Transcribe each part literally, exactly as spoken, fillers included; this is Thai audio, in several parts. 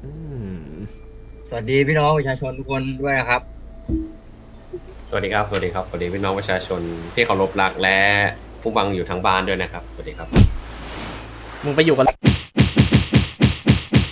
สวัสดีพี่น้องประชาชนทุกคนด้วยนะครับสวัสดีครับสวัสดีครับสวัสดีพี่น้องประชาชนที่เคารพรักและผู้ฟังอยู่ทางบ้านด้วยนะครับสวัสดีครับมึงไปอยู่กันไป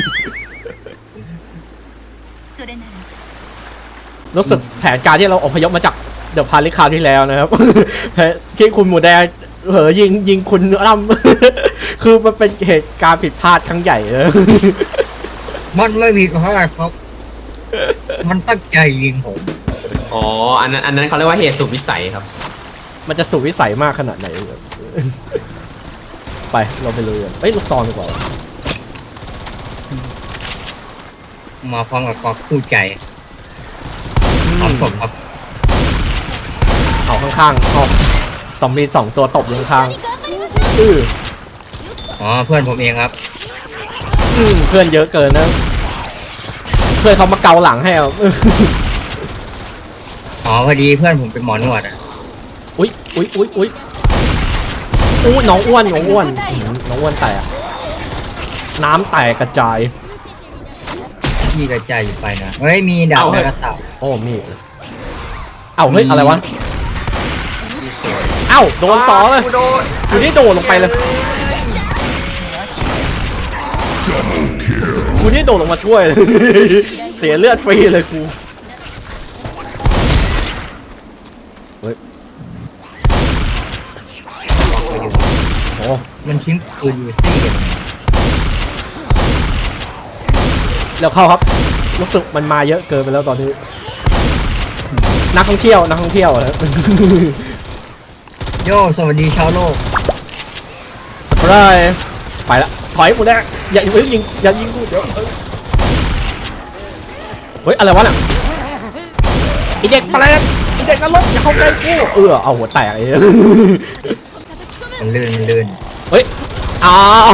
รู้สึกแผนการที่เราอพยพมาจากเดอะพาริคาวที่แล้วนะครับที่คุณหมูแดงเหอยิงยิงคุณล่ำคือมันเป็นเหตุการณ์ผิดพลาดครั้งใหญ่เลยมันไม่ผิดพลาดครับมันตั้งใจยิงผมอ๋ออันนั้นอันนั้นเขาเรียกว่าเหตุสุดวิสัยครับมันจะสุดวิสัยมากขนาดไหนไปเราไปเลยเอ้ยลูกซองดีกว่ามาพร้อมกับกอกคู่ใจพร้อมศพครับเอาข้างๆเอาซอมบี้สองตัวตบอยู่ข้างๆอืออ๋อเพื่อนผมเองครับอืมเพื่อนเยอะเกินนะเพื่อนเขามาเกาหลังให้เอาอ๋อพอดีเพื่อนผมเป็นหมอนวดอ่ะอุ้ยอุ้ยอุ้ยอุ้ยอู้น้องอ้วนน้องอ้วนน้องอ้วนแตกน้ำแตกกระจายพี่กระจายอยู่ไปนะเฮ้ยมีดาบกระต่ายโอ้มีเอ้าเฮ้ยอะไรวะเอ้าโดนสองเลยอยู่นี่โดดลงไปเลยกูนี่โดดลงมาช่วยเสียเลือดฟรีเลยกูเฮ้ยโอ้มันชิ้นปืนอยู่ซี่แล้วเข้าครับรู้สึกมันมาเยอะเกินไปแล้วตอนนี้นักท่องเที่ยวนักท่องเที่ยวนะโยสวัสดีชาวโลกสปรายไปละถอยกูแน่อย่ายิงอย่ายิงกูเดี๋ยวเฮ้ยอะไรวะน่ะไอเด็กแปลกไอเด็กนรกอย่าเข้าใกล้กูเออเอาหัวแตกเลยมันลื่นมันลื่นเฮ้ยอ้าว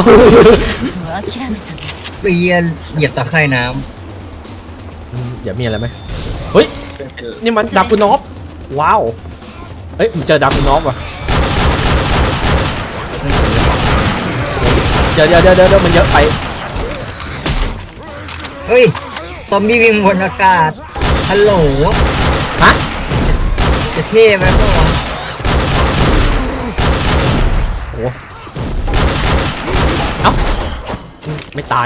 เปียเหยียบตะไคร่น้ำอย่ามีอะไรไหมเฮ้ยนี่มันดับกูนอฟว้าวเฮ้ยมันเจอดับกูนอฟว่ะเดี๋ยวเดี๋ยวเดี๋ยวเดี๋ยวมันเยอะไปเฮ้ยซอมบี้วิ่งบนอากาศฮัลโหลฮะจะเท่ไหมพ่อโอ้เอ้าไม่ตาย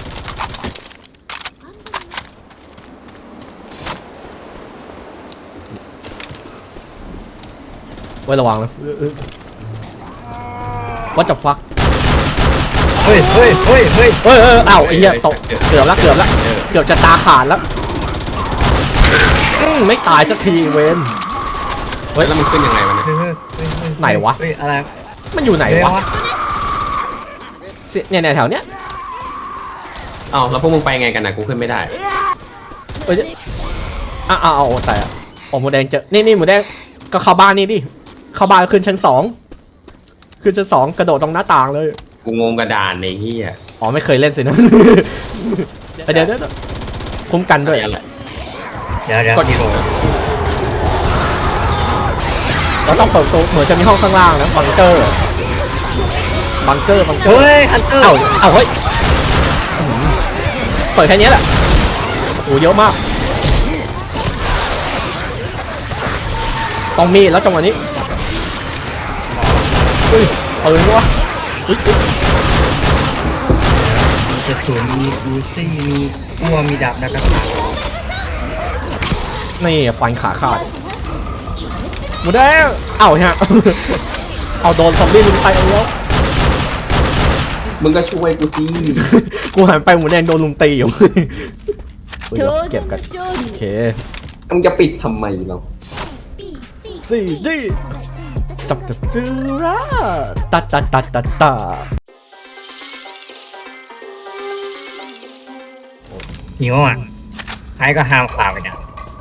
ไว้ระวังนะ What the fuck เฮ้ยเฮ้ยเฮ้ยเฮ้ยเฮ้ยเออเอ้าไอ้เหี้ยตกเกือบแล้วเกือบแล้วเกือบจะตาขาดแล้วไม่ตายสักทีเวนเฮ้ยแล้วมันขึ้นยังไงวะเนี่ยไหนวะอะไรมันอยู่ไหนวะเนี่ยเนี่ยแถวเนี้ยอ้าวแล้วพวกมึงไปไงกันนะกูขึ้นไม่ได้เอ้ยอ้าวอ้าวแต่โอ้หมูแดงเจอนี่นี่หมูแดงก็เข้าบ้านนี่ดิเข้าบ้านขึ้นชั้นสองขึ้นชั้นสองกระโดดตรงหน้าต่างเลยกูงงกระดานในที่อ่ะอ๋อไม่เคยเล่นสินะเดี๋ยวเดี๋ยวคุ้มกันด้วยเดี๋ยวเดี๋ยวกดโเราต้องเปิดตัวเหมือนจะมีห้องข้างล่างนะบังเกอร์บังเกอร์บังเกอร์เฮ้ยฮันเตอร์เอาเอาเฮ้ยเปิดแค่นี้แหละโอ้เยอะมากต้องมีแล้วจังหวะนี้อุ้ยปืนวะอุ้ยมีกระสุนมีอูซี่มีกัวมีดาบนักกษัตริย์นี่ฟันขาขาดหมูแดงเอ้าฮะเอาโดนซอมบี้ลุมไปเอาแล้วมึงก็ช่วยกูสิกูหันไปหมูแดงโดนลุมตีอยู่เก็บกันโอเคมึงจะปิดทำไมเราสี่ดีจับจับดูระตัดตัดตัดตัดตัดหิวอ่ะใครก็ห้ามข่าวไปนะ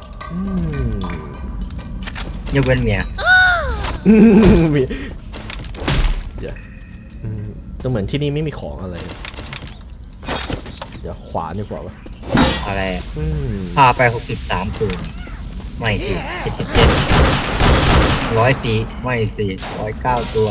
ยกเว้นเมียมีเดี๋ยวก็เหมือนที่นี่ไม่มีของอะไรเดี๋ยวขวาดีกว่าวะอะไรพาไปหกสิบสามตัวไม่สิเจ็ดสิบเจ็ดร้อยสี่ไม่สี่ร้อยเก้าตัว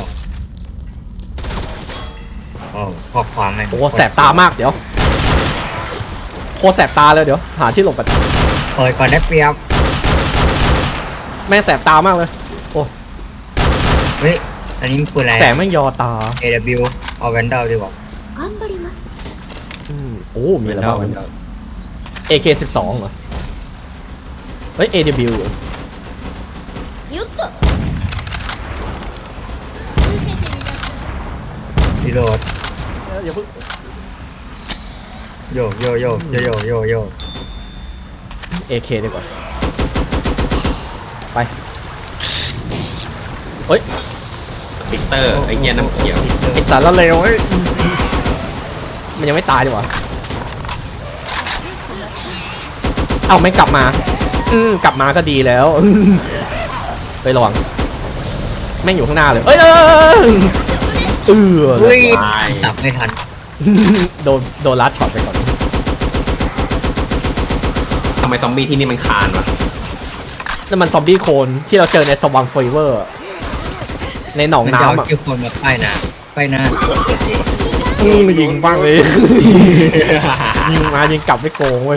โอ้ข้อความไม่โอ้แสบตามากเดี๋ยวตรแสบตาเลยเดี๋ยวหาที่หลบกันเปิดก่อนได้เปรียบแม่งแสบตามากเลยเฮ้ยอันนี้มันปืนอะไรแสงแม่งยอตาเอ ดับเบิลยู เอาแวนดอลดีกว่า頑張りますอืมโอ้มีอะไรบ้างมันวะเดาเอ เค สิบสองเหรอเฮ้ย เอ ดับเบิลยูよっとรีโหลดอย่าเพิ่งโยโยโยโยโยโยโยเอ เค ดีกว่าไปเฮ้ยวิกเตอร์ไอ้เหี้ยน้ำเขียวไอสารละเลวเฮ้ยมันยังไม่ตายดีกว่าเอ้าไม่กลับมาอืมกลับมาก็ดีแล้วไประวังแม่งอยู่ข้างหน้าเลยเอ้ยเออเออเฮ้ยสับไม่ทันโดนโดนลัดช็อตไปก่อนทำไมซอมบี้ที่นี่มันคานวะนั่นมันซอมบี้โคลนที่เราเจอในสวามเฟเวอร์ในหนองมันจะเอาน้ำอ่ะชื่อคนมาป้ายหน้าป้ายหน้าอืมยิงบ้างเลย ยิงมายิงกลับไม่โกงเว้ย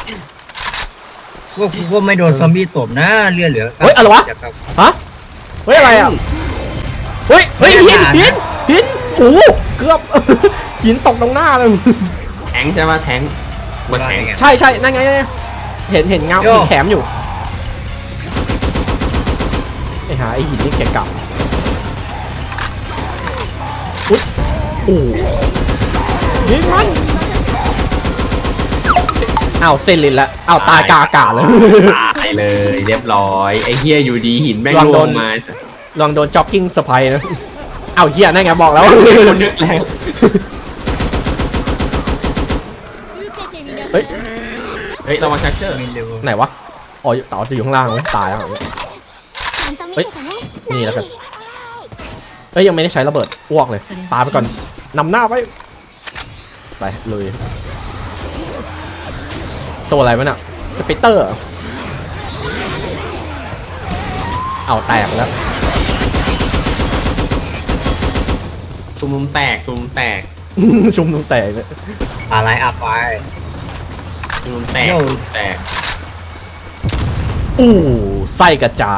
ว่าว่าไม่โดนซอมบี้ตบนะเลือดเหลือเฮ้ยอะไรวะเดี๋ยครับฮะเฮ้ยอะไรอ่ะเฮ้ยเฮ้ยหินหินหินโอ้โหเกือบ หินตกตรงหน้าเลยแทงใช่ปะแทงบนแทงใช่ใช่นั่นไงเห็นเห็นเงาเห็นแขมอยู่ไอ้หาไอ้หินนี่แกกลับอุ๊ยโอ้ยิงมันอ้าวเซนลินละอ้าวตายกาอากาศเลยตายเลยเรียบร้อยไอ้เหี้ยอยู่ดีหินแม่งลองลโดงนมาลองโดนจ็อกกิ้งสไปนะอ้าวเฮียนั่นไงบอกแล้วคนนึกแล้วเฮ้ยเฮ้ยเรามาชักเชอร์ไม่เร็วไหนวะอ๋อต่อจะอยู่ข้างล่างเลยตายแล้วちゃんと見てたねนี่แล้วกันเอ้ยยังไม่ได้ใช้ระเบิดอ้วกเลยปาไปก่อนนำหน้าไปไปเลยตัวอะไรวะน่ะสเปเตอร์เอาแตกแล้วชุมนุมแตกชุมนุมแตกชุมนุมแตกเลยอะไรอัพไปชุมนุมแตกโย่ชุมนุมแตกอู้ไส้กระจาย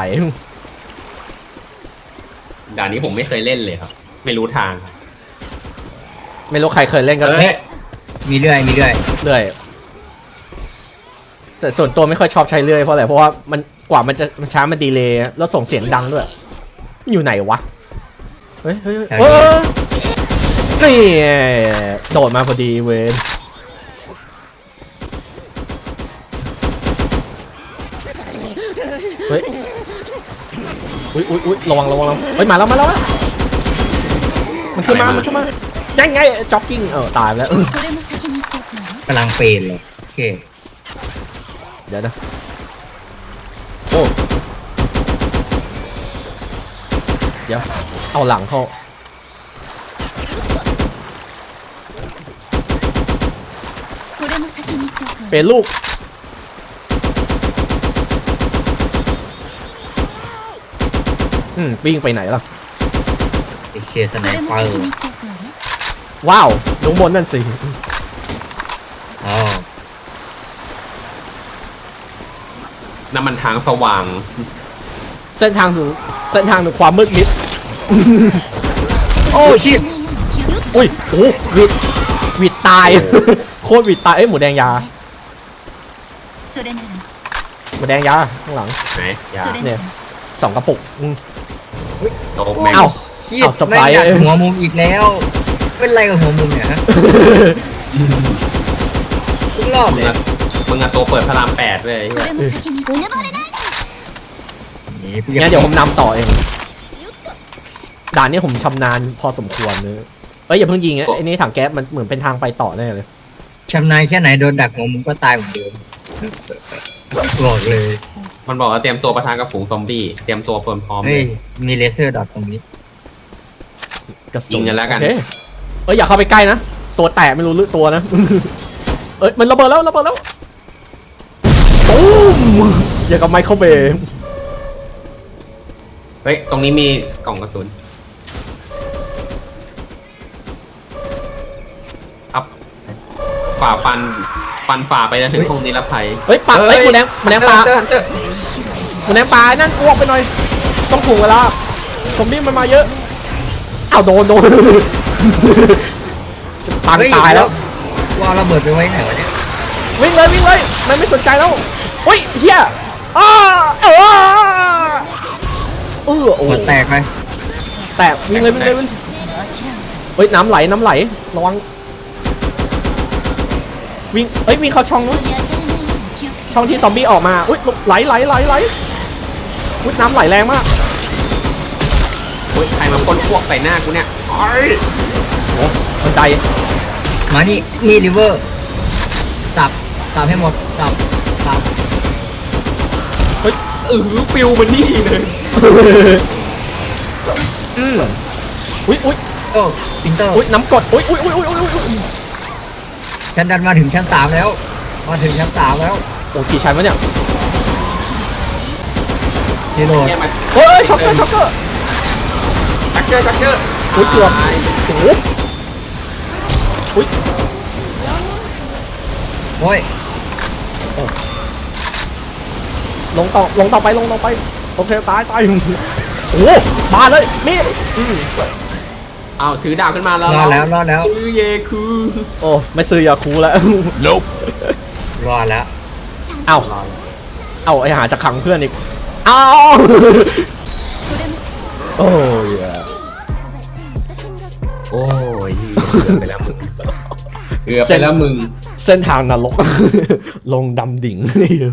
ด่านนี้ผมไม่เคยเล่นเลยครับ ไม่รู้ทางไม่รู้ใครเคยเล่นกันเอ้ยมีเรื่อยมีเรื่อยเรื่อยแต่ส่วนตัวไม่ค่อยชอบใช้เรื่อยเพราะอะไรเพราะว่ามันกว่ามันจะมันช้ามันดีเลย์แล้วส่งเสียงดังด้วยอยู่ไหนวะเฮ้ยเฮ้ยเฮ้ยเฮ้ยนี่โดดมาพอดีเวนเฮ้ยอุ้ยอุ้ยอุ้ยระวังระวังระวังเฮ้ยมาแล้วมาแล้วมันขึ้นมามันขึ้นมายังไงจ็อกกิ้งเออตายไปแล้วこれも先に言っておくのねกำลังเฟนเลยโอเคเดี๋ยวนะโอ้เดี๋ยวเอาหลังเข้าこれも先に言っておくのเป็ねนลูกอืมวิ่งไปไหนล่ะไอเคสไนこれเปもอ先ร์に言っておくのねว้าวลงบนนั่นสิอ๋อน้ำมันทางสว่างเส้นทางสู่เส้นทางสู่ความมืดมิดโอ้ชิตอุ้ยโอ้วิดวิดตาย โคตรวิดตายเอ้ยหมูแดงยาそれならหมูแดงยาข้างหลังไหนยาそれเนี่ない らสองกระปุกอืมโตแม่งเอ้าชิตเอาสไปไม่ร์อยากหัวมุมอีกแล้ว เป็นไรกับหัวมุมเนี่ยฮะทุกรอบมึเลงยอะมึงอะโตเปิดพระรามแปดเลยไอ้こเหี้ยれも先にうぬぼれないでนี่งั้นเดี๋ยวผมนำต่อเอง ด่านนี้ผมชำนาญพอสมควรเนอะเอ้ยอย่าเพิ่งยิงนะไอ้นี่ถังแก๊สมันเหมือนเป็นทางไปต่อแน่เลยชำนาญแค่ไหนโดนดักหัวมุมก็ตายเหมือนเดิมบอกเลยมันบอกว่าเตรียมตัวประทานกับฝูงซอมบี้เตรียมตัวเปิมพร้อมเลเฮ้ยยมีเลเซอร์ดอทตรงนี้กระสุยิงกันแล้วกันโอเคเอ้ยอย่าเข้าไปใกล้นะตัวแตกไม่รู้ลึกตัวนะ เอ้ยมันระเบิดแล้วระเบิดแล้วตูมอย่างกับไมเคิลเบย์เฮ้ย ตรงนี้มีกล่องกระสุนครับฝ่าฟันฟันฝ่าไปจนถึงตรงนิรภัยเฮ้ยปลาเฮ้ยหมูแดงหมูแดงปลาเตอร์ฮันเตอร์หมูแดงปลานั่งอ้วกไปหน่อยต้องถูกเวลาซอมบี้มันมาเยอะอ้าวโดนโดนปังตายแล้วว่าระเบิดไปไว้ไหนวะเนี่ยวิ่งเลยวิ่งเลยมันไม่สนใจแล้วเฮ้ยเฮียอ้าเออเออโอ้หัวแตกไหมแตกวิ่งเลยวิ่งเลยวิ่งเฮ้ยน้ำไหลน้ำไหลระวังวิ่งเอ้ยวิ่งเข้าช่องนู้นช่องที่ซอมบี้ออกมาอุ้ยไหลไหลไหลไหลอุ้ยน้ำไหลแรงมากโอ้ยใครมาพ่นพวกใส่หน้ากูเนี่ยโอ้ยโอ้บันไดมานี่มีริเวอร์สับสับให้หมดสับสับเออปิวมันนี่เลยอืมอุ้ยอุ้ยโอ้ปินเตอร์อุ้ยน้ำกรดอุ้ยอุ้ยอุ้ยอุ้ยอุ้ยอุ้ยฉันดันมาถึงชั้นสามแล้วมาถึงชั้นสามแล้วโอ้กี่ชั้นวะเนี่ยนี่โดนเนี่ยมาเฮ้ยช็อกเกอร์ช็อกเกอร์จักเกอร์จักเกอร์อุ้ยเกือบโอ้โหอุ้ยโอ้ยลงต่อลงต่อไปลงต่อไปโอเคตายตายโอ้โหมาเลยมีดอืมอ้าวถือดาบขึ้นมาแล้วรอดแล้วรอดแล้วคือเยคือโอ้ไม่ซื้อยาคูแล้วรอดแล้วเอ้าเอ้าไอหาจะขังเพื่อนอีกเอ้าโอ้ยโอ้ยเกือบไปแล้วมึงเกือบไปแล้วมึงเส้นทางนรก ลงดำดิ่ง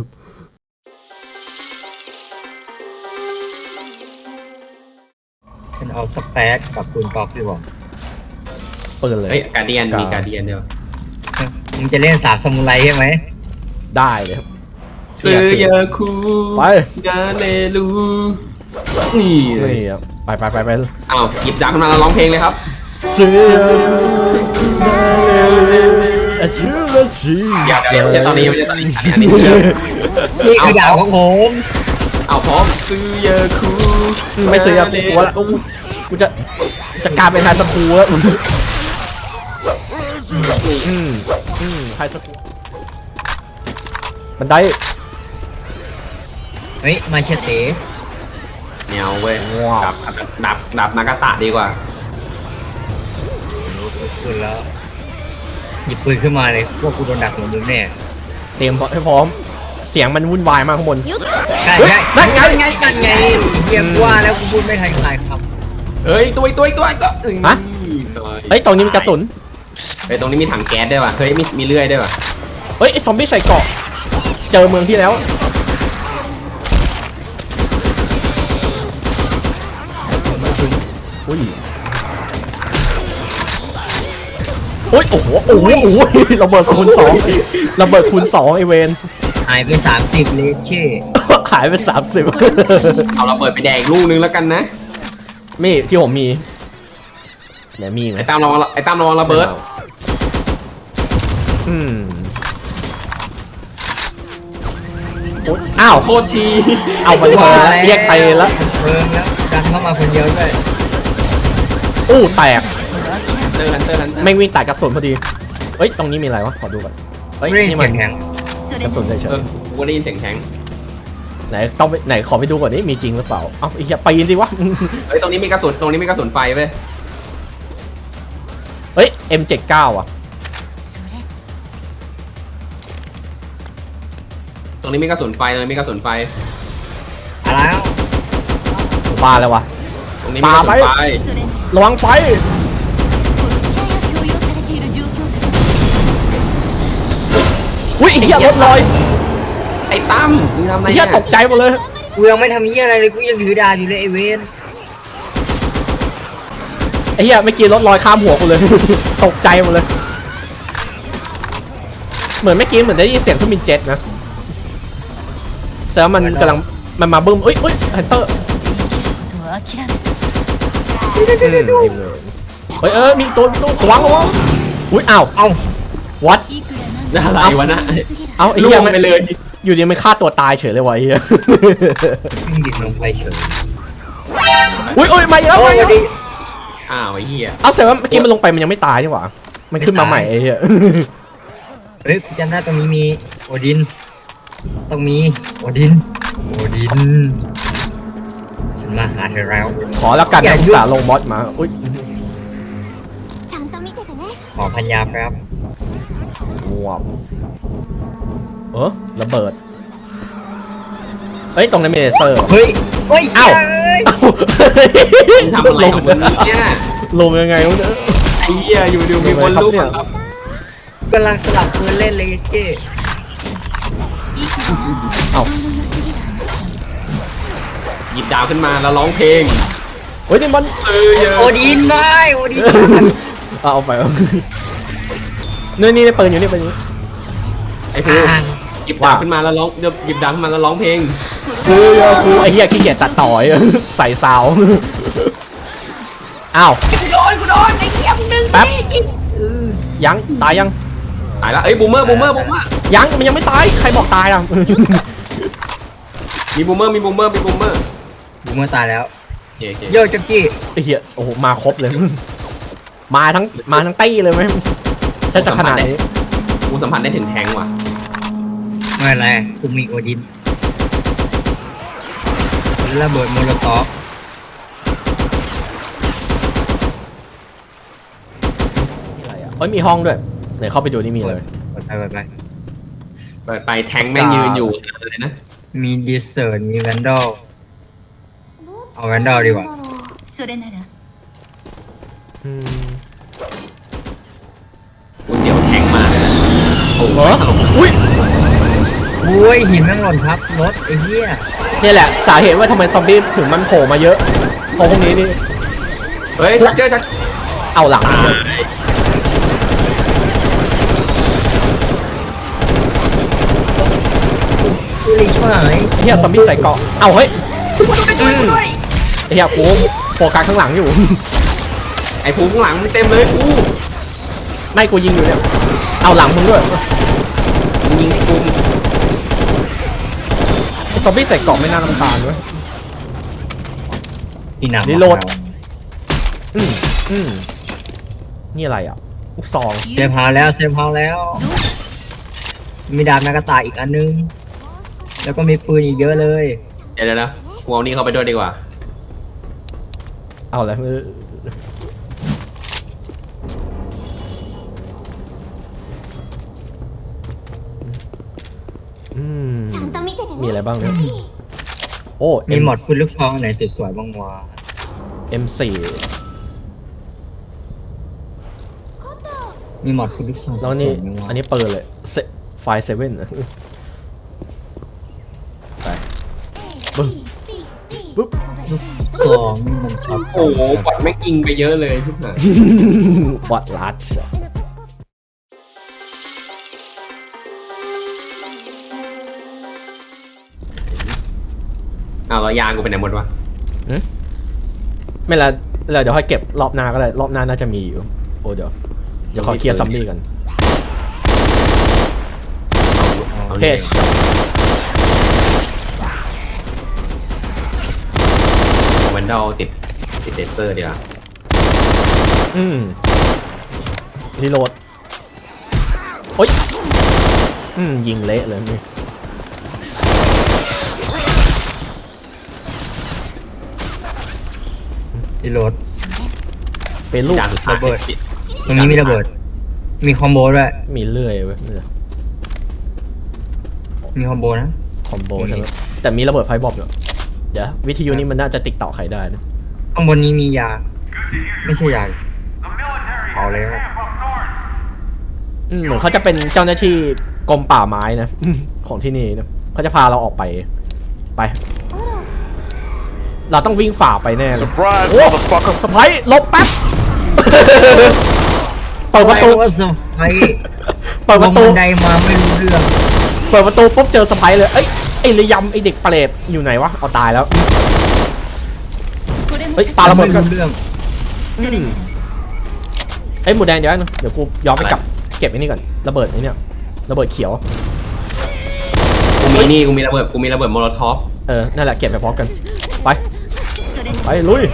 ฉันเอาสเปซกับปืนกอกดีกว่าเปิดเลยเฮ้ยการเดียนมีการเดียนเดียวมึงจะเล่นสามซามูไรใช่ไหมได้เลยครับซื้อเยอะคูไปกาเนลูนี่เลยนี่ครับไปไปไปไปอ้าวหยิบดาบขึ้นมาแล้วร้องเพลงเลยครับซื้อชื่อละชื่ออย่าเดี๋ยวจะตอนนี้ไม่ใช่ตอนนี้อันนี้อันนี้ชื่อนี่คือดาวของผมเอาพร้อมซื้อเยอะคูไม่ซื้อยาคูละอู้กูจะจะกลายเป็นไฮสคูลแล้วอืมอืมไฮสคูลบันไดเฮ้ยมาเชตเต้แนวเว้ยดับดับดับนากาตะดีกว่าปืนแล้วหยิบปืนขึ้นมาเลยพวกกูโดนดักหัวมึงแน่เตรียมให้พร้อมเสียงมันวุ่นวายมากข้างบนใช่เฮ้ยใช่นั่นไงไงนั่นไงเรียกว่าแล้วกูพูดไม่ทันใครครับเฮ้ยตัวตัวตัวตัวฮะ เฮ้ยตรงนี้มีกระสุนเฮ้ยตรงนี้มีถังแก๊สด้วยว่ะเฮ้ยมีมีเลื่อยด้วยว่ะเฮ้ยไอซอมบี้ใส่เกราะเจอเมืองที่แล้วอุ้ยโอ้ยโอ้โหโอ้โหโอ้โหระเบิดคูณสองระเบิดคูณสองไอเวนหายไปสามสิบเลยเช่หายไปสามสิบเอาเราเปิดไปแดงลูกนึงแล้วกันนะมีที่ผมมีไหนมีไหมไอ้ตามระวังไอ้ตามระวังระเบิดอืมโอ๊ยอ้าวโทษทีเอามันมาเรียกไปแล้วเพิ่มแล้วดันเข้ามาคนเดียวด้วยอู้แตกเตอร์ฮันเตอร์ฮันเตอร์แม่งวิ่งแตกกระสุนพอดีเฮ้ยตรงนี้มีอะไรวะขอดูก่อนเฮ้ยไม่ได้นี่เสีมัยนงแข็งกระสุนเฉเอย อกูก็ได้ยินเสียงแข็งๆไหนต้องไปไหนขอไปดูก่อนนี่มีจริงหรือเปล่าเอ้าไอ้เหี้ยปีนสิวะเฮ้ยตรงนี้มีกระสุนตรงนี้มีกระสุนไฟเว้ยเฮ้ย เอ็ม เจ็ดสิบเก้า อ่ะตรงนี้มีกระสุนไฟตรงนี้มีกระสุนไฟอะไรแล้วบาแล้ววะตรงนี้มีกระสุนปาไฟไป ระวังไฟอุ้ยไอ้เหี้ยรถลอยไอ้ตั้มมึงทำไมไอ้เหี้ยตกใจหมดเลยกูยังไม่ทำยี่อะไรเลยกูยังถือดาบอยู่เลยไอเวนไอ้เหี้ยเมื่อกี้รถลอยข้ามหัวกูเลย ตกใจหมดเลย เหมือนเมื่อกี้เหมือนได้ยินเสียงเครื่องบินเจ็ตนะแสดงว่ามันกำลังมันมาบึ้มเอ้ยเอ้ยฮันเตอร์เฮ้ยเออมีตัวตัวระวังระวังอุ้ยอ้าวเอ้าวัดอะไรวะนะเอาไอ้ล่เหี้วย งมันไปเลยอยู่ดีมันฆ่าตัวตายเฉยเลยวะไอ้เหี้ยมึงดิ่งลงไปเฉยอุ้ยอุ้ยมาอีกแล้วโอ้มาอีกยแล้วดิอ้าวไอ้เหี้ยเอาแสดงว่าเมื่อกี้มันลงไปมันยังไม่ตายนี่หว่ามันขึ้นมาใหม่ไอ้เหี้ยเฮ้ยกูจำได้ตรงนี้มีโอดินต้องมีโอดินโอดินฉันมาหาเธอแล้วขอแล้วกันอย่านะยุ่งอุตสาห์ลงมอสมาอุ้ยちゃんと見ててねขอพันยาแป๊บว้าวเออระเบิดเอ้ยตรงนั้นมีเลเซอร์เฮ้ยเฮ้ยอ้าวเฮ้ยมึงทำอะไรของมึงเนี่ยลงยังไงวะเนี่ยไอ้เหี้ยอยู่ดูมีคนลุกเนี่ยครับกำลังสลับปืนเล่นเลยเจ้เอ้าหยิบดาวขึ้นมาแล้วร้องเพลงเฮ้ยนี่มันเออเยอะโอดินไม่โอดินเอาเอาไปเอานี่นี่ปืนอยู่นี่ปืนอยู่ไอ้พูหยิบดาวขึ้นมาแล้วร้องเดี๋ยวหยิบดาวขึ้นมาแล้วร้องเพลงซื้อเยอะกูไอ้เหี้ยขี้เกียจตัดต่อย ใส่ซาวอ้าวกูโดนกูโดนไอ้เหี้ยมึงดึงแป๊บยังตายยังตายแล้วเอ้ยบูมเมอร์บูมเมอร์บูมเมอร์ยังมันยังไม่ตายใครบอกตายอ่ะมีบูมเมอร์มีบูมเมอร์มีบูมเมอร์บูมเมอร์ตายแล้วโอเคโอเคโยจักกี้ไอ้เหี้ยโอ้โหมาครบเลย มาทั้งมาทั้งตี้เลยไหมจะจะขนาดนี้กูสัมผัสได้ถึงแทงว่ะไม่เป็นไรกูมีโอดินระเบิดโมโลตอฟอะไรอ่ะเฮ้ยมีห้องด้วยไหนเข้าไปดูนี่มีเลยไปไปไปเปิดไปแทงแม่งยืนอยู่เลยนะมีดิสเซอร์มีแวนดอลเอาแวนดอลดีกว่าそれならอืมกูเสียวแทงมาเลยนะโอ้โหอุ้ยอุ้ยหินแม่งหล่นครับรถไอ้เหี้ยนี่แหละสาเหตุว่าทำไมซอมบี้ถึงมันโผล่มาเยอะเพราะพวกนี้นี่เฮ้ยชักเจอชักเอาหลังกูรีช่วยเฮียซอมบี้ใส่เกราะเอาเฮ้ยอืมไอ้เฮียกูโฟกัสข้างหลังอยู่ไอ้ภูข้างหลังมึงเต็มเลยกูไม่กูยิงอยู่เนี่ยเอาหลังมึงด้วยมึงยิงไอ้กูไอ้ซอมบี้ใส่เกราะไม่น่ารำคาญด้วยพี่หนักรีโหลด อืมอืมนี่อะไรอ่ะลูกซองเซฟเฮาแล้วเซฟเฮาแล้ว มีดาบนากาตาอีกอันนึง แล้วก็มีปืนอีกเยอะเลยเดี๋ยวเดี๋ยวนะกูเอานี่เข้าไปด้วยดีกว่าเอาอะไรอืมちゃんと見ててมีねอะไรบ้างเนี่ยโอ้มีหมดปืนลูกซองอันไหนสวยๆบ้างวะเอ็มสี่มีหมดปืนลูกซองแล้วนี่สวยๆบ้างวะอันนี้เปิดเลยไฟเซเว่นไปปึ๊บปึ๊บซองนี่มันช็อตโอ้โหบอดแม่งยิงไปเยอะเลยทุกหน่อยวัดลัดอ้าวแล้วยางกูไปไหนหมดวะไม่ละเราเดี๋ยวค่อยเก็บรอบหน้าก็ได้รอบหน้าน่าจะมีอยู่โอ้เดี๋ยวเดี๋ยวขอเคลียร์ซัมบี้กันเอาเพนี่จเอาแวนดอลติดติดเดเซอร์ดีกว่าอืมรีโหลดโอ๊ยอืมยิงเละเลยนี่รีโหลดเป็นลูกจานสุดท้ายระเบิด ตรงนี้มีระเบิด มีคอมโบด้วยมีเลื่อยเว้ยมีคอมโบนะคอมโบใช่ไหมแต่มีระเบิดไฟบอมอยู่เดี๋ยววิทยุนี้มันน่าจะติดต่อใครได้นะข้างบนนี้มียา ไม่ใช่ยาเอาแล้วอืมเหมือนเขาจะเป็นเจ้าหน้าที่กรมป่าไม้นะ ของที่นี่นะเขาจะพาเราออกไปไป เราต้องวิ่งฝ่าไปแน่เลย Surprise, โอ้ motherfucker. สไปร์หลบแป๊บ เปิดประตูว่าสไปเปิดประตูลงบันไดมาไม่รู้เรื่องเปิดประตูปุ๊บเจอสไปร์เลยเอ้ยไอ้ระยำไอ้เด็กเปรตอยู่ไหนวะเอาตายแล้วこれもเฮ้ยปาระเบิดไม่กันรู้เรื่องそれならเอ้ยหมูแดงเดี๋ยวนะเดี๋ยวกูย้อนไปกลับเก็บไอ้นี่ก่อนระเบิดไอ้เนี่ยระเบิดเขียวกูมีนี่กูมีระเบิดกูมีระเบิดโมโลทอฟเออนั่นแหละเก็บไปพร้อมกันไปそれなไปらลุย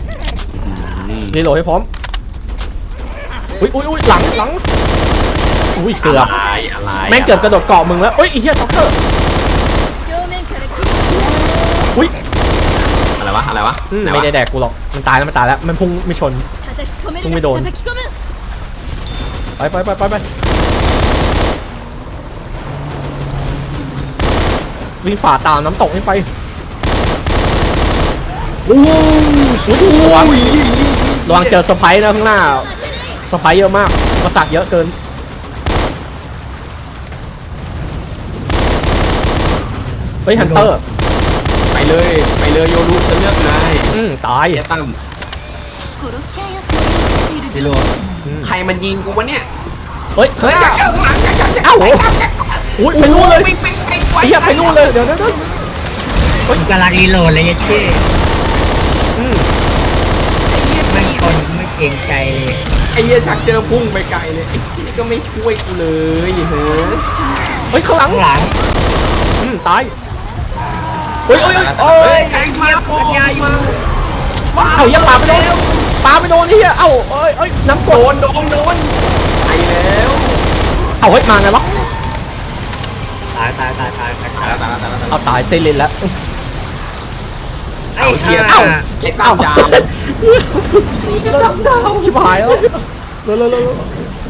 รีโหลดให้พร้อมอุ้ยอุ้ยอุ้ยหลังหลังอุ้ยเกือบอะไรอะไรแม่งเกือบกระโดดเกาะมึงแล้วเอ้ยไอ้เหี้ยท็อกเกอร์正面から切るอุ้ยอะไรวะอะไรวะอืมหนวะไม่ได้แดกกูหรอกมันตายแล้วมันตายแล้วมันพุ่งไม่ชน叩き込めるもうไม่โดน叩き込むไปไปไปไปไปวิ่งฝ่าตามน้ำตกนี่ไปโอ้โหระวังระวังเจอสไปร์นะข้างหน้าสไปร์เยอะมากกระสักเยอะเกินเฮ้ยฮันเตอร์ไปเลยไปเลยโยรุจะเลือกนายอืมตายเจ๊ตั้ม殺し合いを繰り広げているพี่โรดใครมันยิงกูวะเนี่ยเฮ้ยเฮ้ยเจ้าหลังเจ้าเจ้าเอ้าอุ้ยไปนู่นเลยวิ่งวิ่งวิ่งไอ้เหี้ยไปนู่นเลยเดี๋ยวเดี๋ยวเดี๋ยวผมกำลังรีโหลดเลยยัดเช่อืมไม่คนไม่เกรงใจเลยไอ้เหี้ยชักเจอพุ่งไปไกลเลยไอ้นี่ก็ไม่ช่วยกูเลยเฮ้ยเฮ้ยข้างหลังข้างหลังอืมตายเฮ้ยเฮ้ยโอ้ยไอ้เหี้ยพุ่งมาเอ้าเหี้ยังปาไปโดนปาไปโดนไอ้เหี้ยเอ้าเอ้ยเอ้ยน้ำกโดดนโดนโดนไปแล้วเอ้าเฮ้ยมาไงวะตายตายตายตายตายตายแล้วตายแล้วตายแล้วเอาตายเซเลนแล้วไอ้เอาเหี้ยเอ้าเอ้าไอ้ตั้มดาวชิบหายแล้วเร็วเร็วเร็วเร็ว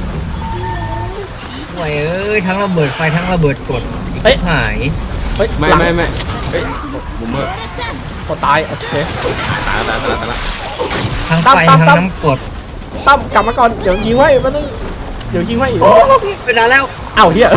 โอ้ยเอ้ยทั้งระเบิดไฟทั้งระเบิดกดเฮ้ยหายเฮ้ยไม่หลังไม่ไม่เฮ้ยบุมเมอร์ก็ตายโอเคตายแล้วตายแล้วตายแล้วทั้งตั้ไฟมตั้ทั้มงตั้มน้ำกดตั้มกลับมาก่อนเดี๋ยวยิงไว้มันต้องเดี๋ยวยิงไว้อีกเป็นอะไรแล้วเอ้าเหี้ย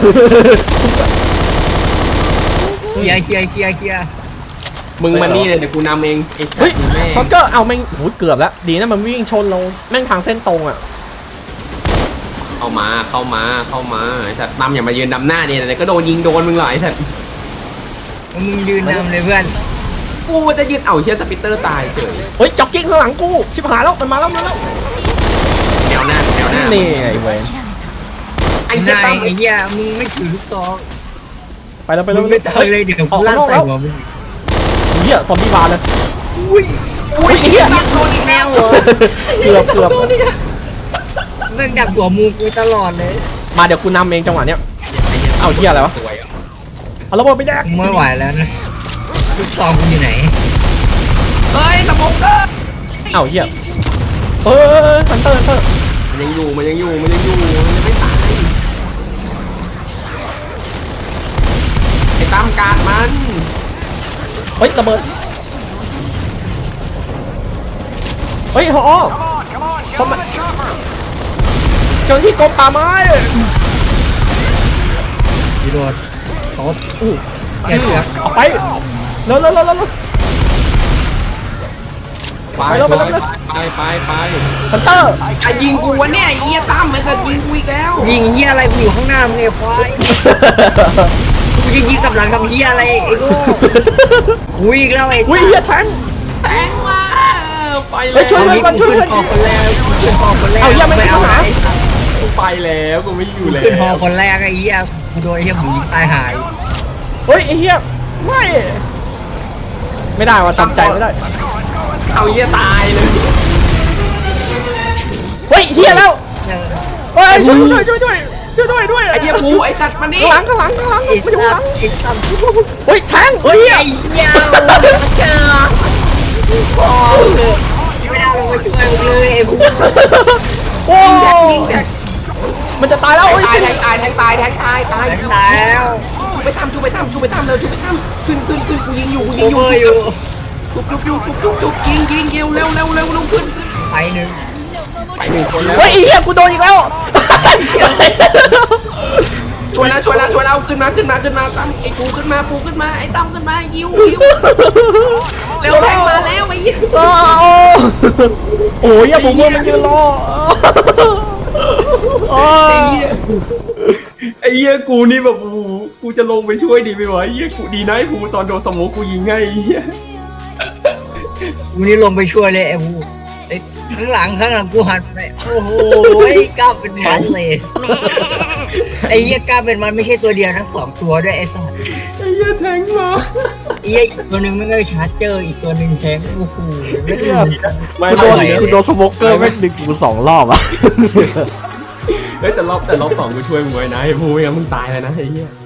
เคลียร์เคลียร์เคลียร์เคลียร์มึงมานี่เลยเดี๋ยวกูนำเองไอ้สัเฮ้ยตว์แม่งช็อตเกอร์เอาแม่งโหเกือบแล้วดีนะมันวิ่งชนเราแม่งทางเส้นตรงอ่ะเข้ามาเข้ามาเข้ามาไอ้สัตว์ตั้มอย่ามายืนดำหน้าเนี่ยเดี๋ยวก็โดนยิงโดนมึงหรอกไอ้สัตว์มึงยืนนำเลยเพื่อนกูจะยืนเอ้าเชียสปิตเตอร์ตายเฉยเฮ้ยจ็อกกิ้งข้างหลังกูชิบหายแล้วมันมาแล้วมาแล้วแนวหน้าแนวหน้านี่ไงเวนไอ้เชียนายตั้มไอ้เหี้ยมึงไม่ถือลูกซองไปแล้วไปมึแล้วงไม่เตยเลยเดี๋ยวกูลั่นใส่หัวมึงเหี้ยซอมบี้บาร์เลยอุ้ยอุ้ยเหี้ยโดนอีกแล้วเหรอเกือบเกือบแม่งดักหัวมูกูตลอดเลยมาเดี๋ยวกูนำเองจังหวะเนี้ยเอาเหี้ยอะไรวะสวยอ่ะเอาระเบิดไปแดกมึงไม่ไหวแล้วนะลูกซองกูอยู่ไหนเฮ้ยสมองเกอร์เอาเหี้ยเออฮันเตอร์ฮันเตอร์มันยังอยู่มันยังอยู่มันยังอยู่มันยังไม่ตายไอ้ตั้มการมันเฮ้ยระเบิดเฮ้ยฮอเข้ามาเจ้าหน้าที่กรมป่าไม้พี่โดดตบอู้แกเสือกออกไปเร็วเร็วเร็วเร็วไปไปแล้วไปไปแล้วไปไปไปฮันเตอร์ไอ้ยิงกูวะเนี่ยไอ้เหี้ยตั้มมันจะยิงกูอีกแล้วยิงเฮียอะไรกูอยู่ข้างหน้ามึงไอ้ควายกูจะยิงกับหลังทำเฮียอะไรไอ้โง่กูอีกแล้วไอ้อุ้ยสัเหี้ยสแทงแทงมาไปแล้เฮ้วยช่วยเอางี้กูขึ้นฮอคนแรกกูขึ้นฮอคนแรกเอาเหี้ยไม่มีเอาปัญหาไอ้สัสกูไปแล้วกูไม่อยู่กูแล้วขึ้นฮอคนแรกไอ้เฮียกูโดนไอ้เฮียหมูยิงตายหายเฮ้ยไอ้เหี้ยไม่ไม่ได้ว่ะจำใจไม่ได้เอาเหี้ยตายเลยเฮ้ยเหี้ยแล้วเออเฮ้ยช่วยด้วยช่วยด้วยช่วยด้วยด้วยไอ้เหี้ยกูไอ้สัตว์มานี่ข้างหลังข้างหลังข้างหลังไอ้ไม่อยู่สัข้างหลัสงไอ้สัสเฮ้ยแทงเฮ้ยเหี้ยไอ้เหี้ยเจอโอ้ไม่น่าลงไปช่วยมึงเลยไอ้พวกโอ้ยิงแจ็คมันจะตายแล้วตาโอ้ยยแทงตายแทงตายแทงตายตายตายแล้วชูไปทำชูไปทำชูไปทำเร็วชูไปทำขึ้นขึ้นขึ้นกูยิงอยู่กูยิโองอยู่เวอร์อยู่ชุบชุบชุบชุบชุบชุบยิงยิงเร็วเร็วเร็วเร็วเร็วขึ้นไปหนึ่งไปหนึ่งคนแล้วเฮ้ยไอ้เหี้ยกูโดนอีกแล้วช่วยแล้วช่วยแล้วช่วยแล้วขึ้นมาขึ้นมาขึ้นมาตั้มไอ้ปูขึ้นมาปูขึ้นมาไอ้ตั้มขึ้นมายิวยิวเร็วแทงมาแล้วไอ้ยิวอ้าวโอ้ยอย่าบุ้มมันยืนรออ้าวไอ้เหี้ยกูนี่แบบกูกูจะลงไปช่วยดีไหมวะไอ้เหี้ยกูดีนะไอ้กูตอนโดนสโมกกูยิงให้ไอ้เหี้ยกูนี่ลงไปช่วยเลยไอ้พวกไอ้ข้างหลังข้างหลังกูหันไปโอ้โหกล้าเป็นมันเลยไอ้เหี้ยกล้าเป็นมันไม่ใช่ตัวเดียวนะสองตัวด้วยไอ้สัสไอ้เหี้ยแทงมาไอ้เหี้ยอีกตัวหนึ่งไม่ได้ชาร์จเจอร์อีกตัวหนึ่งแทงโอ้โหไม่ได้ไม่กูโดไม่นกูโดนสโมกเกอร์แม่งดึงกูสองรอบอ่ะเฮ้ยแต่รอบแต่รอบสองกูช่วยมึงไว้นะไอ้ภูไม่งั้นมึงตายเลยนะไอ้เหี้ย